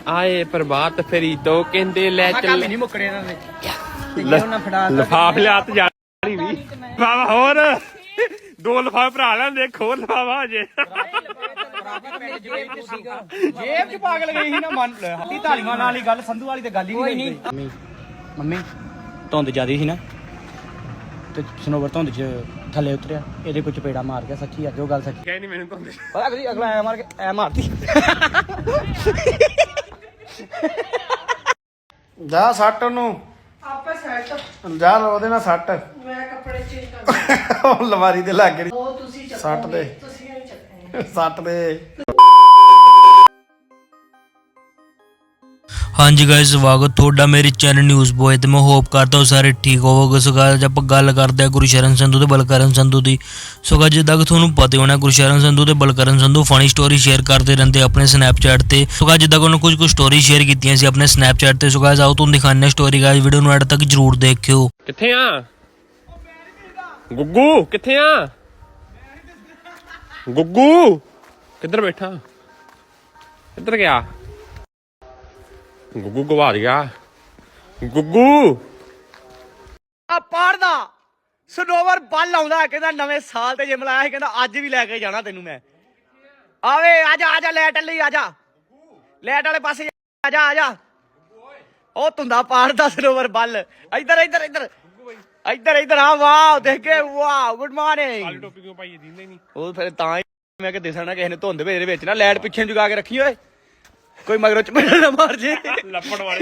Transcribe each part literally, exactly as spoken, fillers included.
ਆਏ ਪ੍ਰਭਾਤ ਫੇਰੀ ਤੋਂ ਕਹਿੰਦੇ ਲੈ ਚੱਲ ਨਹੀਂ ਮੁੱਕੜੇ ਇਹਨਾਂ ਦੇ ਲਫਾਫ ਲਿਆ ਤੇ ਜਾਣੀ ਵੀ ਬਾਬਾ ਹੋਰ ਦੋ ਲਫਾਫੇ ਭਰਾ ਲੈਂਦੇ ਖੋਰ ਲਫਾਫਾ ਅਜੇ ਜੇਬ ਚ ਪਾਗਲ ਗਈ ਸੀ ਨਾ ਮਨ ਹੱਤੀ ਢਾਲੀਆਂ ਨਾਲ ਹੀ ਗੱਲ ਸੰਧੂ ਵਾਲੀ ਤੇ ਗੱਲ ਹੀ ਨਹੀਂ ਮੰਮੀ ਮੰਮੀ ਧੁੰਦ ਜ਼ਿਆਦੀ ਸੀ ਨਾ ਤੇ ਸਨੋਵਰ ਧੁੰਦ ਚ ਥੱਲੇ ਉਤਰਿਆ ਇਹਦੇ ਕੋਈ ਚਪੇੜਾ ਮਾਰ ਗਿਆ ਸੱਚੀ ਅੱਜ ਉਹ ਗੱਲ ਸੱਚੀ ਕਹਿ ਨਹੀਂ ਮੈਨੂੰ ਧੁੰਦ ਪਤਾ ਕਦੀ ਅਗਲਾ ਐ ਮਾਰ ਕੇ ਐ ਮਾਰਦੀ ਜਾ ਸੱਟ ਉਹਨੂੰ ਆਪੇ ਸੈੱਟ ਜਾ ਉਹਦੇ ਨਾਲ ਸੱਟ ਮੈਂ ਕੱਪੜੇ ਚੇਂਜ ਕਰ ਉਹ ਲਵਾਰੀ ਦੇ ਲਾਗੇ ਉਹ ਤੁਸੀਂ ਚੱਕੋ ਸੱਟ ਦੇ ਤੁਸੀਂ ਨਹੀਂ ਚੱਕਣੇ ਸੱਟ ਦੇ ਹਾਂਜੀ ਗਾਇਸ ਸਵਾਗਤ ਤੁਹਾਡਾ ਮੇਰੇ ਚੈਨਲ ਨਿਊਜ਼ ਬੋਏ ਤੇ ਮੈਂ ਹੋਪ ਕਰਦਾ ਹਾਂ ਸਾਰੇ ਠੀਕ ਹੋਵੋਗੇ। ਸੋ ਗਾਇਸ ਆਪਾਂ ਗੱਲ ਕਰਦੇ ਹਾਂ ਗੁਰਸ਼ਰਨ ਸੰਧੂ ਤੇ ਬਲਕਰਨ ਸੰਧੂ ਦੀ। ਸੋ ਗਾਇਸ ਜਿੱਦਾਂ ਕਿ ਤੁਹਾਨੂੰ ਪਤਾ ਹੋਣਾ ਗੁਰਸ਼ਰਨ ਸੰਧੂ ਤੇ Balkaran Sandhu funny story share ਕਰਦੇ ਰਹਿੰਦੇ ਆਪਣੇ ਸਨੈਪਚੈਟ ਤੇ। ਸੋ ਗਾਇਸ ਜਿੱਦਾਂ ਕਿ ਉਹਨਾਂ ਕੁਝ ਕੁ ਸਟੋਰੀ ਸ਼ੇਅਰ ਕੀਤੀਆਂ ਸੀ ਆਪਣੇ ਸਨੈਪਚੈਟ ਤੇ। ਸੋ ਗਾਇਸ ਆਓ ਤੁਹਾਨੂੰ ਦਿਖਾਉਂਦੇ ਹਾਂ ਸਟੋਰੀ। ਗਾਇਸ ਵੀਡੀਓ ਨੂੰ ਐਡ ਤੱਕ ਜਰੂਰ ਦੇਖਿਓ। ਕਿੱਥੇ ਆ ਗੁੱਗੂ ਕਿੱਥੇ ਆ ਗੁੱਗੂ ਕਿੱਧਰ ਬੈਠਾ ਕਿੱਧਰ ਗਿਆ ਗੁੱਗੂ ਗਵਾ ਗਿਆ ਗੁੱਗੂ ਆ ਪਾੜਦਾ ਸਨੋਵਰ ਬੱਲ ਆਉਂਦਾ ਕਹਿੰਦਾ ਨਵੇਂ ਸਾਲ ਤੇ ਜਿਮ ਲਾਇਆ ਸੀ ਕਹਿੰਦਾ ਅੱਜ ਵੀ ਲੈ ਕੇ ਜਾਣਾ ਤੈਨੂੰ ਮੈਂ ਆਵੇ ਆਜਾ ਆਜਾ ਲੈਟ ਲਈ ਆਜਾ ਲੈਟ ਵਾਲੇ ਪਾਸੇ ਆਜਾ ਆਜਾ ਉਹ ਤੁੰਦਾ ਪਾੜਦਾ ਸਨੋਵਰ ਬੱਲ ਇੱਧਰ ਇੱਧਰ ਇੱਧਰ ਇੱਧਰ ਇੱਧਰ ਆ ਵਾਓ ਦੇਖ ਕੇ ਵਾਓ ਗੁੱਡ ਮਾਰਨਿੰਗ ਟੋਪੀ ਕਿਉਂ ਪਾਈ ਦਿੰਦੇ ਨਹੀਂ ਉਹ ਫਿਰ ਤਾਂ ਹੀ ਮੈਂ ਕਿ ਦਿਸਣਾ ਕਿਸੇ ਨੇ ਧੁੰਦ ਦੇ ਵਿੱਚ ਨਾ ਲਾਈਟ ਪਿੱਛੇ ਜਗਾ ਕੇ ਰੱਖੀ ਓਏ ਕੋਈ ਮਗਰੋਂ ਚਪੇੜਾ ਨਾ ਮਾਰ ਜੇ ਲੱਪੜ ਵਾਲੇ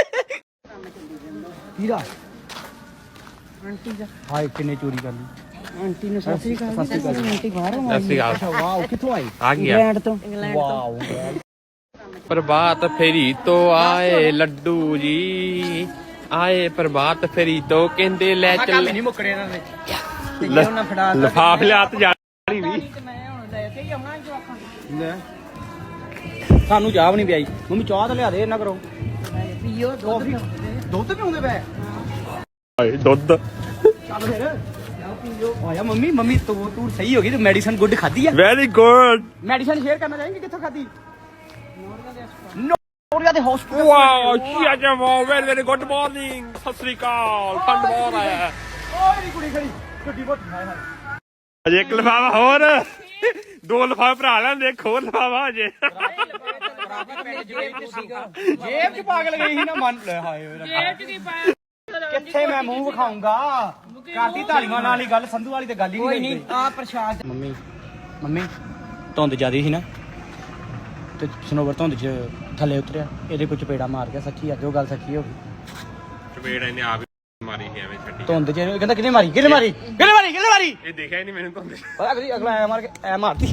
ਹੀਰਾ ਆਂਟੀ ਦਾ ਹਾਏ ਕਿੰਨੇ ਚੋਰੀ ਕਰ ਲਈ ਆਂਟੀ ਨੂੰ ਸਤਿ ਸ੍ਰੀ ਅਕਾਲ ਸਤਿ ਸ੍ਰੀ ਅਕਾਲ ਆਂਟੀ ਬਾਹਰੋਂ ਆਈ ਸਸੀ ਗਾਲ ਵਾਓ ਕਿੱਥੋਂ ਆਈ ਆ ਗਿਆ ਇੰਗਲੈਂਡ ਤੋਂ ਵਾਓ ਪ੍ਰਭਾਤ ਫੇਰੀ ਤੋਂ ਆਏ ਲੱਡੂ ਜੀ ਆਏ ਪ੍ਰਭਾਤ ਫੇਰੀ ਤੋਂ ਕਹਿੰਦੇ ਲੈ ਚੱਲ ਨਹੀਂ ਮੁੱਕੜੇ ਇਹਨਾਂ ਦੇ ਲਫਾਫ ਲਿਆ ਤੇ ਜਾਣੀ ਵੀ ਸਾਨੂੰ ਚਾਹ ਵੀ ਨਹੀਂ ਪਿਆਈ ਮੰਮੀ ਚਾਹ ਤਾਂ ਲਿਆ ਦੇ ਇਹਨਾਂ ਕਰੋ ਪੀਓ ਦੁੱਧ ਦੁੱਧ ਪਿਉਂਦੇ ਪਏ ਹਾਏ ਦੁੱਧ ਚੱਲ ਫਿਰ ਚਾਹ ਪੀਓ ਆਇਆ ਮੰਮੀ ਮੰਮੀ ਤੂੰ ਤੂੰ ਸਹੀ ਹੋ ਗਈ ਤੂੰ ਮੈਡੀਸਨ ਗੁੱਡ ਖਾਧੀ ਆ ਵੈਰੀ ਗੁੱਡ ਮੈਡੀਸਨ ਸ਼ੇਅਰ ਕਰਨਾ ਚਾਹੀਂਗੇ ਕਿੱਥੋਂ ਖਾਧੀ ਨੋਰੀਆ ਦੇ ਹਸਪੀਟਲ ਵਾਓ ਕੀ ਅੱਜ wow very very good morning Sat Sri ਅਕਾਲ ਠੰਡ ਬਹੁਤ ਆਇਆ ਓਏ ਨੀ ਕੁੜੀ ਖੜੀ ਗੱਡੀ ਬਹੁਤ ਹਾਏ ਹਾਏ ਅਜੇ ਇੱਕ ਲਫਾਫਾ ਹੋਰ ਦੋ ਲਫਾਫੇ ਭਰਾ ਲੈਂਦੇ ਖੋਰ ਲਫਾਫਾ ਅਜੇ ਜੇਬ ਚ ਪਾਗਲ ਗਈ ਸੀ ਨਾ ਮਨ ਹਾਏ ਓਏ ਜੇਬ ਚ ਕੀ ਪਾਇਆ ਕਿੱਥੇ ਮੈਂ ਮੂੰਹ ਵਿਖਾਉਂਗਾ ਕਰਦੀ ਢਾਲੀਆਂ ਨਾਲ ਹੀ ਗੱਲ ਸੰਧੂ ਵਾਲੀ ਤੇ ਗੱਲ ਹੀ ਨਹੀਂ ਆ ਪ੍ਰਸ਼ਾਦ ਮੰਮੀ ਮੰਮੀ ਧੁੰਦ ਜ਼ਿਆਦੀ ਸੀ ਨਾ ਤੇ ਸਨੋਵਰ ਧੁੰਦ ਚ ਥੱਲੇ ਉਤਰਿਆ ਇਹਦੇ ਕੋਈ ਚਪੇੜਾ ਮਾਰ ਗਿਆ ਸੱਚੀ ਅੱਜ ਉਹ ਗੱਲ ਸੱਚੀ ਹੋ ਗਈ ਚਪੇੜ ਇਹਨੇ ਆਪ ਹੀ ਮਾਰੀ ਸੀ ਐਵੇਂ ਛੱਡੀ ਧੁੰਦ ਚ ਕਹਿੰਦਾ ਕਿਹਨੇ ਮਾਰੀ ਕਿਹਨੇ ਮਾਰੀ ਕਿਹਨੇ ਮਾਰੀ ਕਿਹਨੇ ਮਾਰੀ ਇਹ ਦੇਖਿਆ ਹੀ ਨਹੀਂ ਮੈਨੂੰ ਧੁੰਦ ਪਤਾ ਕਦੀ ਅਗਲਾ ਐ ਮਾਰ ਕੇ ਐ ਮਾਰਦੀ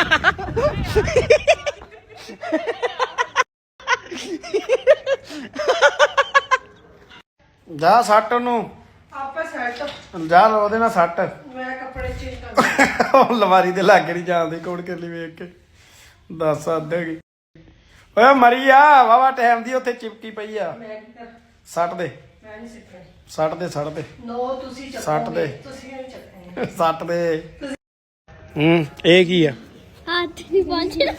ਜਾ ਸੱਟ ਉਹਨੂੰ ਆਪੇ ਸੈੱਟ ਜਾ ਉਹਦੇ ਨਾਲ ਸੱਟ ਮੈਂ ਕੱਪੜੇ ਚੇਂਜ ਕਰ ਉਹ ਲਵਾਰੀ ਦੇ ਲਾਗੇ ਨਹੀਂ ਜਾਂਦੇ ਕੋੜ ਕੇ ਲਈ ਵੇਖ ਕੇ ਦੱਸ ਅੱਧੇਗੀ ਓਏ ਮਰੀ ਆ ਵਾਵਾ ਟਾਈਮ ਦੀ ਉੱਥੇ ਚਿਪਕੀ ਪਈ ਆ ਮੈਂ ਕੀ ਕਰ ਸੱਟ ਦੇ ਮੈਂ ਨਹੀਂ ਸਿੱਖਣੀ ਸੱਟ ਦੇ ਸੱਟ ਦੇ ਨੋ ਤੁਸੀਂ ਚੱਕੋ ਸੱਟ ਦੇ ਤੁਸੀਂ ਨਹੀਂ ਚੱਕਣੇ ਸੱਟ ਦੇ ਹੂੰ ਇਹ ਕੀ ਆ ਹੱਥ ਨਹੀਂ ਪਹੁੰਚਦਾ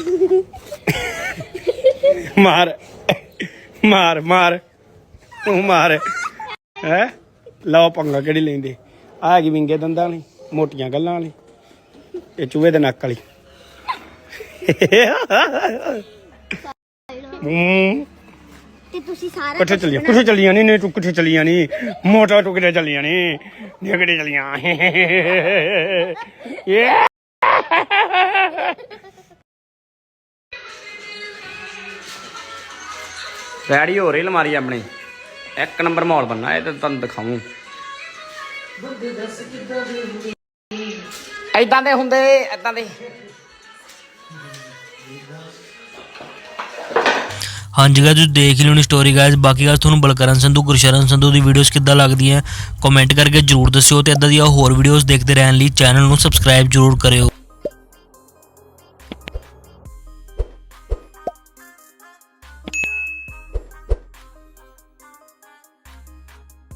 ਮਾਰ ਮਾਰ ਮਾਰ ਤੂੰ ਮਾਰ ਹੈ ਲਓ ਪੰਗਾ ਕਿਹੜੀ ਲੈਂਦੇ ਆ ਕੀ ਵਿੰਗੇ ਦੰਦਾਂ ਵਾਲੀ ਮੋਟੀਆਂ ਗੱਲਾਂ ਵਾਲੀ ਇਹ ਚੂਹੇ ਦੇ ਨੱਕ ਵਾਲੀ ਹੂੰ ਤੇ ਤੁਸੀਂ ਸਾਰਾ ਕਿੱਥੇ ਚੱਲੀਆਂ ਕਿੱਥੇ ਚੱਲੀਆਂ ਨਹੀਂ ਨਹੀਂ ਤੂੰ ਕਿੱਥੇ ਚੱਲੀਆਂ ਨਹੀਂ ਮੋਟਾ ਤੂੰ ਕਿੱਥੇ ਚੱਲੀਆਂ ਨਹੀਂ ਨਹੀਂ ਕਿੱਥੇ ਚੱਲੀਆਂ ਇਹ ਰੈਡੀ ਹੋ ਰਹੀ ਅਲਮਾਰੀ ਆਪਣੀ ਇੱਕ ਨੰਬਰ ਮਾਹੌਲ ਬਣਨਾ ਇਹ ਤਾਂ ਤੁਹਾਨੂੰ ਦਿਖਾਉਂ ਏਦਾਂ ਦੇ ਹੁੰਦੇ ਏਦਾਂ ਦੇ ਹਾਂਜੀ ਗਾਇਸ ਤੁਸੀਂ ਦੇਖ ਲਿਓ ਨੀ ਸਟੋਰੀ ਗਾਇਸ। ਬਾਕੀ ਗੱਲ ਤੁਹਾਨੂੰ ਬਲਕਰਨ ਸੰਧੂ ਗੁਰਸ਼ਰਨ ਸੰਧੂ ਦੀ ਵੀਡੀਓਜ਼ ਕਿੱਦਾਂ ਲੱਗਦੀਆਂ ਕਮੈਂਟ ਕਰਕੇ ਜਰੂਰ ਦੱਸਿਓ ਤੇ ਇਦਾਂ ਦੀਆਂ ਹੋਰ ਵੀਡੀਓਜ਼ ਦੇਖਦੇ ਰਹਿਣ ਲਈ ਚੈਨਲ ਨੂੰ ਸਬਸਕ੍ਰਾਈਬ ਜਰੂਰ ਕਰਿਓ।